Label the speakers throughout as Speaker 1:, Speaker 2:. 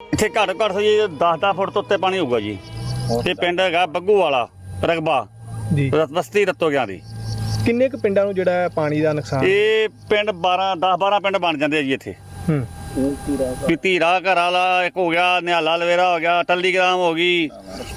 Speaker 1: ਇੱਥੇ ਘੱਟ ਜੀ 10 ਫੁੱਟ ਤੋਂ ਉੱਤੇ ਪਾਣੀ ਹੋਊਗਾ ਜੀ। ਇਹ ਪਿੰਡ ਹੈਗਾ ਬੱਗੂ ਵਾਲਾ ਰਕਬਾ
Speaker 2: ਜੀ,
Speaker 1: ਬਸਤੀ ਰਤੋ ਗਿਆ ਦੀ।
Speaker 2: ਕਿੰਨੇ ਕੁ ਪਿੰਡਾਂ ਨੂੰ ਜਿਹੜਾ ਪਾਣੀ ਦਾ ਨੁਕਸਾਨ?
Speaker 1: ਇਹ ਪਿੰਡ 10-12 ਪਿੰਡ ਬਣ ਜਾਂਦੇ ਆ ਜੀ ਇੱਥੇ। ਵੀ ਧੀਰਾ ਘਰ ਵਾਲਾ ਇੱਕ ਹੋ ਗਿਆ, ਨਿਹਾਲਾ ਲਵੇਰਾ ਹੋ ਗਿਆ, ਟੱਲੀਗ੍ਰਾਮ ਹੋ ਗਈ,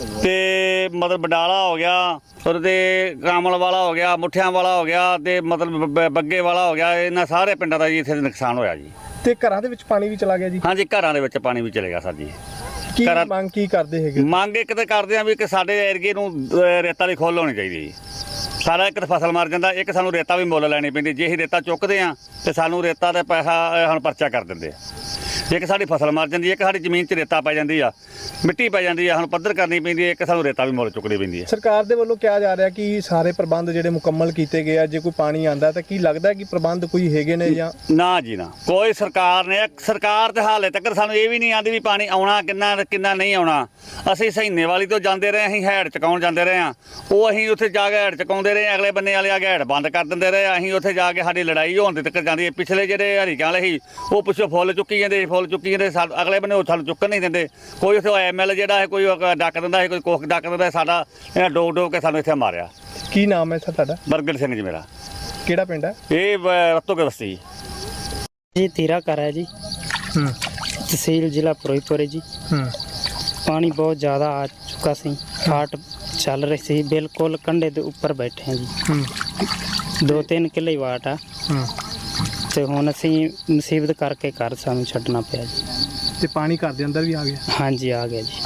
Speaker 1: ਤੇ ਮਤਲਬ ਬਡਾਲਾ ਹੋ ਗਿਆ, ਉਹਦੇ ਕਾਮਲ ਵਾਲਾ ਹੋ ਗਿਆ, ਮੁੱਠਿਆਂ ਵਾਲਾ ਹੋ ਗਿਆ, ਤੇ ਮਤਲਬ ਬੱਗੇ ਵਾਲਾ ਹੋ ਗਿਆ। ਇਹਨਾਂ ਸਾਰੇ ਪਿੰਡਾਂ ਦਾ ਜੀ ਇੱਥੇ ਨੁਕਸਾਨ ਹੋਇਆ ਜੀ।
Speaker 2: ਤੇ ਘਰਾਂ ਦੇ ਵਿੱਚ ਪਾਣੀ ਵੀ ਚਲਾ ਗਿਆ ਜੀ?
Speaker 1: ਹਾਂਜੀ, ਘਰਾਂ ਦੇ ਵਿੱਚ ਪਾਣੀ ਵੀ ਚਲੇਗਾ ਸਰ ਜੀ।
Speaker 2: ਕੀ ਮੰਗ ਕੀ ਕਰਦੇ ਹੈਗੇ?
Speaker 1: ਮੰਗ ਇੱਕ ਤਾਂ ਕਰਦੇ ਆ ਵੀ ਕਿ ਸਾਡੇ ਏਰੀਏ ਨੂੰ ਰੇਤਾ ਦੀ ਖੋਲ ਹੋਣੀ ਚਾਹੀਦੀ ਜੀ। ਸਾਰਾ ਇੱਕ ਤਾਂ ਫਸਲ ਮਰ ਜਾਂਦਾ, ਇੱਕ ਸਾਨੂੰ ਰੇਤਾ ਵੀ ਮੁੱਲ ਲੈਣੀ ਪੈਂਦੀ। ਜੇ ਅਸੀਂ ਰੇਤਾ ਚੁੱਕਦੇ ਆ ਤੇ ਸਾਨੂੰ ਰੇਤਾ ਦਾ ਪੈਸਾ ਹੁਣ ਪਰਚਾ ਕਰ ਦਿੰਦੇ ਆ। ਇੱਕ ਸਾਡੀ ਫਸਲ ਮਰ ਜਾਂਦੀ ਹੈ, ਇੱਕ ਸਾਡੀ ਜ਼ਮੀਨ 'ਚ ਰੇਤਾ ਪੈ ਜਾਂਦੀ ਆ, ਮਿੱਟੀ ਪੈ ਜਾਂਦੀ ਆ, ਹੁਣ ਪੱਧਰ ਕਰਨੀ ਪੈਂਦੀ ਹੈ, ਇੱਕ ਸਾਨੂੰ ਰੇਤਾ ਵੀ ਮੁੱਲ ਚੁੱਕਣੀ ਪੈਂਦੀ ਹੈ।
Speaker 2: ਸਰਕਾਰ ਦੇ ਵੱਲੋਂ ਕਿਹਾ ਜਾ ਰਿਹਾ ਕਿ ਸਾਰੇ ਪ੍ਰਬੰਧ ਜਿਹੜੇ ਮੁਕੰਮਲ ਕੀਤੇ ਗਏ ਆ। ਜੇ ਕੋਈ ਪਾਣੀ ਆਂਦਾ ਤਾਂ ਕੀ ਲੱਗਦਾ ਕਿ ਪ੍ਰਬੰਧ ਕੋਈ ਹੈਗੇ ਨੇ ਜਾਂ
Speaker 1: ਨਾ ਜੀ ਨਾ, ਕੋਈ ਸਰਕਾਰ ਤੇ ਹਾਲੇ ਤੱਕ ਸਾਨੂੰ ਇਹ ਵੀ ਨਹੀਂ ਆਂਦੀ ਵੀ ਪਾਣੀ ਆਉਣਾ ਕਿੰਨਾ ਨਹੀਂ ਆਉਣਾ। ਅਸੀਂ ਸਹੀਨੇ ਵਾਲੀ ਤੋਂ ਜਾਂਦੇ ਰਹੇ, ਅਸੀਂ ਹੈਡ ਚਕਾਉਣ ਜਾਂਦੇ ਰਹੇ ਆ। ਉਹ ਅਸੀਂ ਉੱਥੇ ਜਾ ਕੇ ਹੈਡ ਚਕਾਉਂਦੇ ਰਹੇ, ਅਗਲੇ ਬੰਨੇ ਵਾਲੇ ਆ ਕੇ ਹੈਡ ਬੰਦ ਕਰ ਦਿੰਦੇ ਰਹੇ। ਅਸੀਂ ਉੱਥੇ ਜਾ ਕੇ ਸਾਡੀ ਲੜਾਈ ਹੋਣ ਦੇ ਤੱਕ ਜਾਂਦੀ ਹੈ। ਪਿਛਲੇ ਜਿਹੜੇ ਹਰੀਕਾਂ ਵਾਲੇ ਸੀ ਉਹ ਪਿੱਛੋਂ ਫੁੱਲ ਚੁੱਕੀ ਜਾਂਦੇ, ਅਗਲੇ ਬੰਨੇ ਉਹ ਸਾਨੂੰ ਚੁੱਕਣ ਨਹੀਂ ਦਿੰਦੇ। ਕੋਈ ਉੱਥੇ ML ਜਿਹੜਾ ਹੈ ਕੋਈ ਡੱਕ ਦਿੰਦਾ ਹੈ, ਕੋਈ ਕੁੱਖ ਡੱਕ ਦਿੰਦਾ। ਸਾਡਾ ਇਹਨਾਂ ਡੋਬ ਕੇ ਸਾਨੂੰ ਇੱਥੇ ਮਾਰਿਆ।
Speaker 2: ਕੀ ਨਾਮ ਹੈ ਸਰ ਤੁਹਾਡਾ?
Speaker 1: ਬਰਗੜ ਸਿੰਘ ਜੀ ਮੇਰਾ।
Speaker 2: ਕਿਹੜਾ ਪਿੰਡ ਹੈ?
Speaker 1: ਇਹ ਰਤੋ ਕੇ ਬਸਤੀ
Speaker 3: जी। तीरा कर है जी, तहसील जिला फिरोजपुर है जी। पानी बहुत ज़्यादा आ चुका सी, फाट चल रही सी, बिल्कुल कंढे के उपर बैठे हैं जी। 2-3 किले वाट आ ਤੇ ਹੁਣ ਅਸੀਂ ਮੁਸੀਬਤ ਕਰਕੇ ਘਰ ਸਾਨੂੰ ਛੱਡਣਾ ਪਿਆ ਜੀ।
Speaker 2: ਤੇ ਪਾਣੀ ਘਰ ਦੇ ਅੰਦਰ ਵੀ ਆ ਗਿਆ?
Speaker 3: ਹਾਂਜੀ ਆ ਗਿਆ ਜੀ।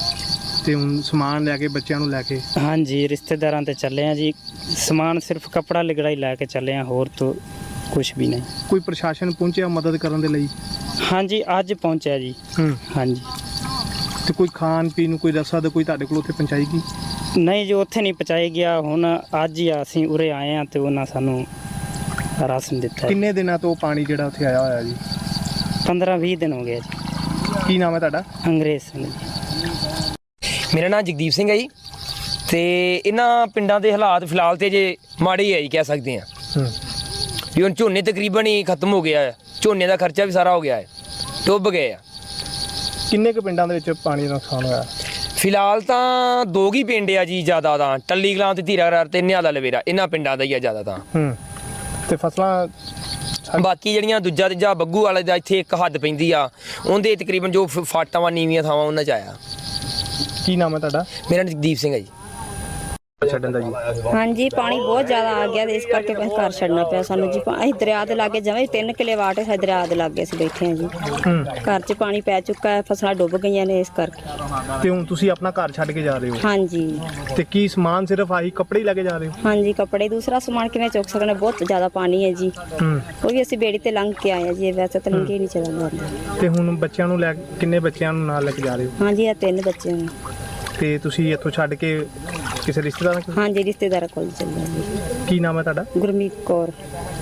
Speaker 2: ਤੇ ਹੁਣ ਸਮਾਨ ਲੈ ਕੇ ਬੱਚਿਆਂ ਨੂੰ ਲੈ ਕੇ?
Speaker 3: ਹਾਂਜੀ ਰਿਸ਼ਤੇਦਾਰਾਂ ਤੇ ਚੱਲੇ ਆ ਜੀ। ਸਮਾਨ ਸਿਰਫ ਕੱਪੜਾ ਲਿਗੜਾ ਹੀ ਲੈ ਕੇ ਚੱਲੇ ਆ, ਹੋਰ ਤਾਂ ਕੁਝ ਵੀ ਨਹੀਂ।
Speaker 2: ਕੋਈ ਪ੍ਰਸ਼ਾਸਨ ਪਹੁੰਚਿਆ ਮਦਦ ਕਰਨ ਦੇ ਲਈ?
Speaker 3: ਹਾਂਜੀ ਅੱਜ ਪਹੁੰਚਿਆ ਜੀ। ਹਾਂਜੀ।
Speaker 2: ਤੇ ਕੋਈ ਖਾਣ ਪੀਣ ਨੂੰ ਕੋਈ ਰਸਦ ਕੋਈ ਤੁਹਾਡੇ ਕੋਲ ਉੱਥੇ ਪਹੁੰਚਾਈ ਗਈ?
Speaker 3: ਨਹੀਂ ਜੀ ਉੱਥੇ ਨਹੀਂ ਪਹੁੰਚਾਇਆ ਗਿਆ। ਹੁਣ ਅੱਜ ਹੀ ਅਸੀਂ ਉਰੇ ਆਏ ਆ ਤੇ ਉਹਨਾਂ ਸਾਨੂੰ ਰਾਸ਼ਨ ਦਿੱਤਾ।
Speaker 2: ਕਿੰਨੇ ਦਿਨਾਂ ਤੋਂ ਪਾਣੀ ਜਿਹੜਾ ਉੱਥੇ ਆਇਆ ਹੋਇਆ ਜੀ?
Speaker 3: 15-20 ਦਿਨ ਹੋ ਗਏ ਜੀ।
Speaker 2: ਕੀ ਨਾਮ ਹੈ ਤੁਹਾਡਾ?
Speaker 3: ਅੰਗਰੇਜ਼ ਸਿੰਘ ਜੀ।
Speaker 4: ਮੇਰਾ ਨਾਮ ਜਗਦੀਪ ਸਿੰਘ ਹੈ ਜੀ। ਤੇ ਇਹਨਾਂ ਪਿੰਡਾਂ ਦੇ ਹਾਲਾਤ ਫਿਲਹਾਲ ਤੇ ਜੇ ਮਾੜੇ ਹੀ ਹੈ ਜੀ, ਕਹਿ ਸਕਦੇ ਆ ਵੀ ਹੁਣ ਝੋਨੇ ਤਕਰੀਬਨ ਹੀ ਖਤਮ ਹੋ ਗਿਆ ਹੈ। ਝੋਨੇ ਦਾ ਖਰਚਾ ਵੀ ਸਾਰਾ ਹੋ ਗਿਆ ਹੈ, ਡੁੱਬ ਗਏ ਆ।
Speaker 2: ਕਿੰਨੇ ਕੁ ਪਿੰਡਾਂ ਦੇ ਵਿੱਚ ਪਾਣੀ ਦਾ ਨੁਕਸਾਨ ਹੋਇਆ?
Speaker 4: ਫਿਲਹਾਲ ਤਾਂ 2 ਹੀ ਪਿੰਡ ਆ ਜੀ ਜ਼ਿਆਦਾ ਤਾਂ, ਟੱਲੀ ਕਲਾਂ ਤੇ ਧੀਰਾ ਘਰ ਤੇ ਨਿਹਾਲਾ ਲਵੇਰਾ, ਇਹਨਾਂ ਪਿੰਡਾਂ ਦਾ ਹੀ ਆ ਜ਼ਿਆਦਾ ਤਾਂ।
Speaker 2: ਤੇ ਫਸਲਾਂ
Speaker 4: ਬਾਕੀ ਜਿਹੜੀਆਂ ਦੂਜਾ ਤੀਜਾ ਬੱਗੂ ਵਾਲੇ ਦਾ ਇੱਥੇ ਇੱਕ ਹੱਦ ਪੈਂਦੀ ਆ, ਉਹਦੇ ਤਕਰੀਬਨ ਜੋ ਫਾਟਾਂ ਵਾ ਨੀਵੀਆਂ ਥਾਵਾਂ ਉਹਨਾਂ 'ਚ ਆਇਆ।
Speaker 2: ਕੀ ਨਾਮ ਹੈ ਤੁਹਾਡਾ?
Speaker 4: ਮੇਰਾ ਨਾਮ ਜਗਦੀਪ ਸਿੰਘ ਹੈ ਜੀ।
Speaker 2: ਛੱਡਣ ਦਾ ਜੀ?
Speaker 5: ਹਾਂਜੀ ਪਾਣੀ ਬਹੁਤ ਜ਼ਿਆਦਾ ਆ ਗਿਆ ਤੇ ਇਸ ਕਰਕੇ ਫਿਰ ਘਰ ਛੱਡਣਾ ਪਿਆ ਸਾਨੂੰ ਜੀ। ਅਸੀਂ ਦਰਿਆ ਦੇ ਲਾਗੇ ਜਮਾਂ 3 ਕਿਲੇ ਵਾਟ ਹੈ, ਦਰਿਆ ਦੇ ਲਾਗੇ ਅਸੀਂ ਬੈਠੇ ਹਾਂ ਜੀ। ਘਰ 'ਚ ਪਾਣੀ ਪੈ ਚੁੱਕਾ ਹੈ, ਫਸਲਾਂ ਡੁੱਬ ਗਈਆਂ ਨੇ ਇਸ ਕਰਕੇ।
Speaker 2: ਤੇ ਹੁਣ ਤੁਸੀਂ ਆਪਣਾ ਘਰ ਛੱਡ ਕੇ ਜਾ ਰਹੇ ਹੋ?
Speaker 5: ਹਾਂਜੀ।
Speaker 2: ਤੇ ਕੀ ਸਮਾਨ ਸਿਰਫ ਆਹੀ ਕੱਪੜੇ ਹੀ ਲੈ ਕੇ ਜਾ ਰਹੇ ਹੋ?
Speaker 5: ਹਾਂਜੀ ਕੱਪੜੇ, ਦੂਸਰਾ ਸਮਾਨ ਕਿਵੇਂ ਚੁੱਕ ਸਕਦੇ? ਬਹੁਤ ਜ਼ਿਆਦਾ ਪਾਣੀ ਹੈ ਜੀ। ਉਹ ਵੀ ਅਸੀਂ ਬੇੜੀ ਤੇ ਲੰਘ ਕੇ ਆਏ ਹਾਂ ਜੀ, ਵੈਸੇ ਤਾਂ ਲੰਘੇ ਨਹੀਂ ਚਲਾ ਜਾਂਦਾ।
Speaker 2: ਤੇ ਹੁਣ ਬੱਚਿਆਂ ਨੂੰ ਲੈ ਕਿੰਨੇ ਬੱਚਿਆਂ ਨੂੰ ਨਾਲ ਲੈ ਕੇ ਜਾ ਰਹੇ ਹੋ?
Speaker 5: ਹਾਂਜੀ ਇਹ 3 ਬੱਚੇ ਨੇ।
Speaker 2: ਤੇ ਤੁਸੀਂ ਇੱਥੋਂ ਛੱਡ ਕੇ ਕਿਸੇ ਰਿਸ਼ਤੇਦਾਰਾਂ ਕੋਲ?
Speaker 5: ਹਾਂਜੀ ਰਿਸ਼ਤੇਦਾਰਾਂ ਕੋਲ ਚੱਲੇ ਜੀ।
Speaker 2: ਕੀ ਨਾਮ ਹੈ ਤੁਹਾਡਾ?
Speaker 5: ਗੁਰਮੀਤ ਕੌਰ।